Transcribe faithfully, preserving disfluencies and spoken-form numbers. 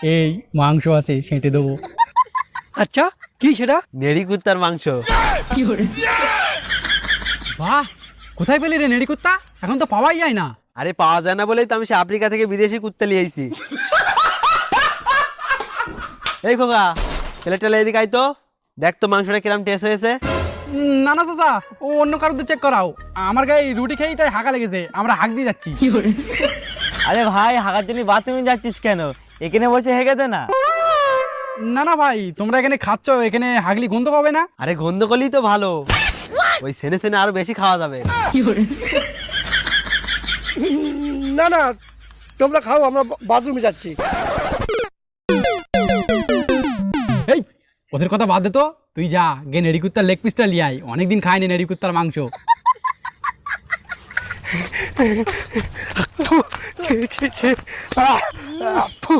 এই মাংস আছে সেঁটে দেবো। আচ্ছা কি সেটা? নেড়ি কুত্তার মাংস। বাহ, কোথায় পেলি রে নেড়ি কুত্তা? এখন তো পাওয়াই যায় না। আরে পাওয়া যায় না বলেই তো আমি সে আফ্রিকা থেকে বিদেশি কুত্তা নিয়ে আইছি। এই খোকা, ছেলে টেলে এদিকে আই তো, দেখ তো মাংসটা কিরম টেস্ট হয়েছে। উম, না না চাচা, ও অন্য কারোর চেক করাও। আমার গায়ে রুটি খেয়েই তাই হাঁকা লেগেছে, আমরা হাঁক দিয়ে যাচ্ছি। আরে ভাই হাগার জন্য বাথরুমে যাচ্ছিস কেন? এখানে বসে হেগে দে না। না না ভাই, তোমরা এখানে খাচ্ছ, এখানে হাগলি গন্ধ পাবে না? আরে গন্ধ করলেই তো ভালো, ওই সেনে সেনে আরো বেশি খাওয়া যাবে। না না তোমরা খাও, আমরা বাথরুমে যাচ্ছি। এই ওদের কথা বাদ দে তো, তুই যা গে নেড়ি কুত্তার লেগ পিসটা লিয়ে আয়, অনেকদিন খাইনি নেড়ি কুত্তার মাংস। ছি, ছি, ছি। আহ, আহ, ফু।